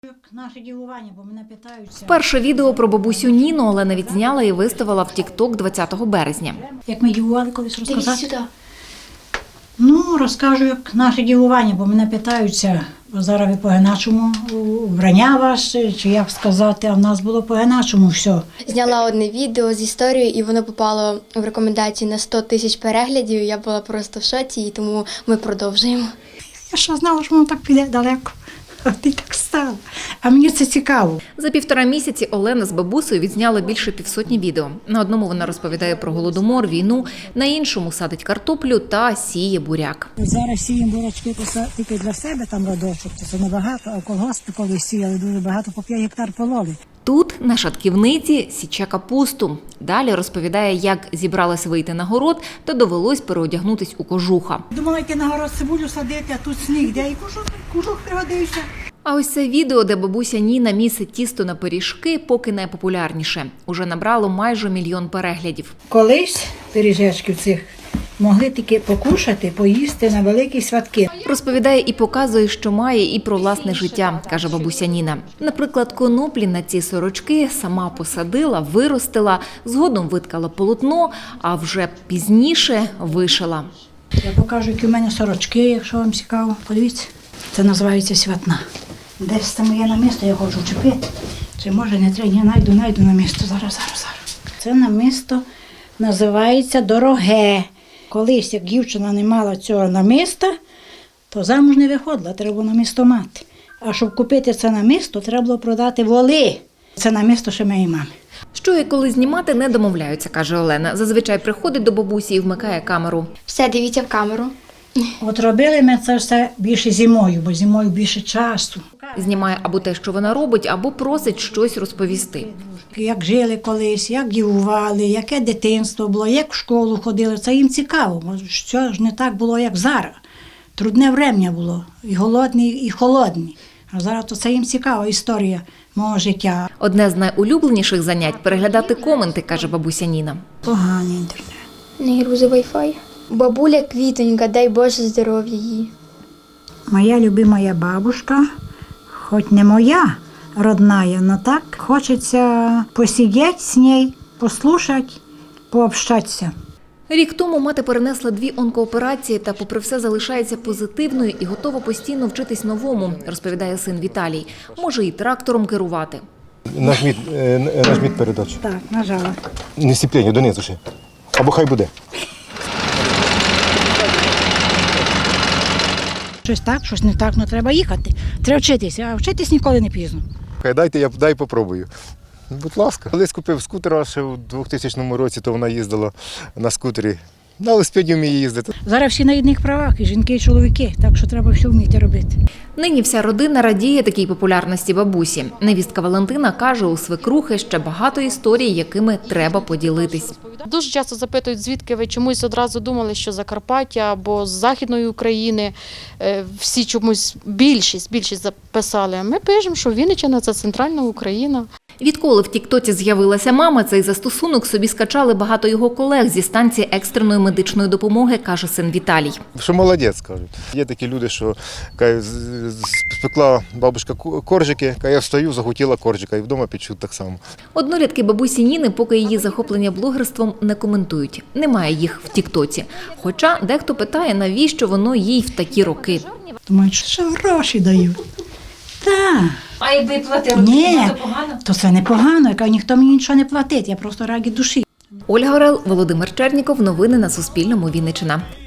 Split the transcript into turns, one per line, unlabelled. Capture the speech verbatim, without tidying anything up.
Наше дивування, бо мене питаються.
Перше відео про бабусю Ніну Олена відзняла і виставила в тік-ток двадцятого березня.
Як ми дивували колись розказати? Ну, розкажу, як наше дивування, бо мене питаються, зараз ви по-іначому вбрання ваше, чи як сказати, а в нас було по-іначому все.
Зняла одне відео з історією, і воно попало в рекомендації на сто тисяч переглядів. Я була просто в шоці, і тому ми продовжуємо.
Я ще знала, що воно так піде далеко. А ти так стала. А мені це цікаво.
За півтора місяці Олена з бабусею відзняла більше півсотні відео. На одному вона розповідає про голодомор, війну, на іншому садить картоплю та сіє буряк.
Зараз сіємо бурячки тільки для себе, там родочок, це небагато, а в колгоспі коли сіяли, дуже багато, по п'ять гектар пололи.
Тут, на шатківниці, січе капусту. Далі розповідає, як зібралась вийти на город та довелось переодягнутись у кожуха.
Думала, йти на город цибулю садити, а тут сніг, де і кожух, кожух пригодився.
А ось це відео, де бабуся Ніна місить тісто на пиріжки, поки найпопулярніше. Уже набрало майже мільйон переглядів.
Колись пиріжечків цих могли тільки покушати, поїсти на великі святки.
Розповідає і показує, що має, і про власне життя, каже бабуся Ніна. Наприклад, коноплі на ці сорочки сама посадила, виростила, згодом виткала полотно, а вже пізніше вишила.
Я покажу, які в мене сорочки, якщо вам цікаво. Подивіться, це називається святна. Десь там є на місто, я хочу вчепити. Чи може не треба, я найду, найду на місто. Зараз, зараз, зараз. Це намисто називається дороге. Колись, як дівчина не мала цього намиста, то замуж не виходила, треба було намисто мати. А щоб купити це намисто, треба було продати воли. Це намисто ще моєї мами.
Що і коли знімати, не домовляються, каже Олена. Зазвичай приходить до бабусі і вмикає камеру.
Все, дивіться в камеру.
От робили ми це все більше зимою, бо зимою більше часу.
Знімає або те, що вона робить, або просить щось розповісти.
Як жили колись, як дівували, яке дитинство було, як в школу ходили. Це їм цікаво, бо що ж не так було, як зараз. Трудне врем'я було, і голодні, і холодні. А зараз то це їм цікава історія мого життя.
Одне з найулюбленіших занять – переглядати коменти, каже бабуся Ніна.
Поганий інтернет.
Не грузи вай-фай. Бабуля квітонька, дай Боже здоров'я їй.
Моя любимая бабушка, хоч не моя родная, но так хочеться посидіти з нею, послухати, пообщатися.
Рік тому мати перенесла дві онкооперації та попри все залишається позитивною і готова постійно вчитись новому, розповідає син Віталій. Може і трактором керувати.
Нажміть, е, нажміть передачу.
Так, нажала.
Не сіплення, донизу ще. Або хай буде.
Щось так, щось не так, ну треба їхати. Треба вчитися, а вчитись ніколи не пізно.
Хай дайте, я дай попробую. Будь ласка. Колись купив скутера ще у двохтисячному році, то вона їздила на скутері. На велосипеді вміє їздити.
Зараз всі на рівних правах, і жінки, і чоловіки, так що треба все вміти робити.
Нині вся родина радіє такій популярності бабусі. Невістка Валентина каже, у свекрухи ще багато історій, якими треба поділитись.
Дуже часто запитують, звідки ви чомусь одразу думали, що Закарпаття або з Західної України. Всі чомусь більшість, більшість записали. А ми пишемо, що Вінниччина – це центральна Україна.
Відколи в тіктоці з'явилася мама, цей застосунок собі скачали багато його колег зі станції екстреної медичної допомоги, каже син Віталій.
Що молодець, кажуть. Є такі люди, що кажуть, спекла бабушка коржики, я встаю, захотіла коржика і вдома печуть так само.
Однолітки бабусі Ніни поки її захоплення блогерством не коментують. Немає їх в тіктоці. Хоча дехто питає, навіщо воно їй в такі роки.
Думають, що гроші дають. Так.
А якби платили,
Ні, то це непогано, яка ніхто мені нічого не платить, я просто раді душі.
Ольга Орел, Володимир Черніков. Новини на Суспільному. Вінниччина.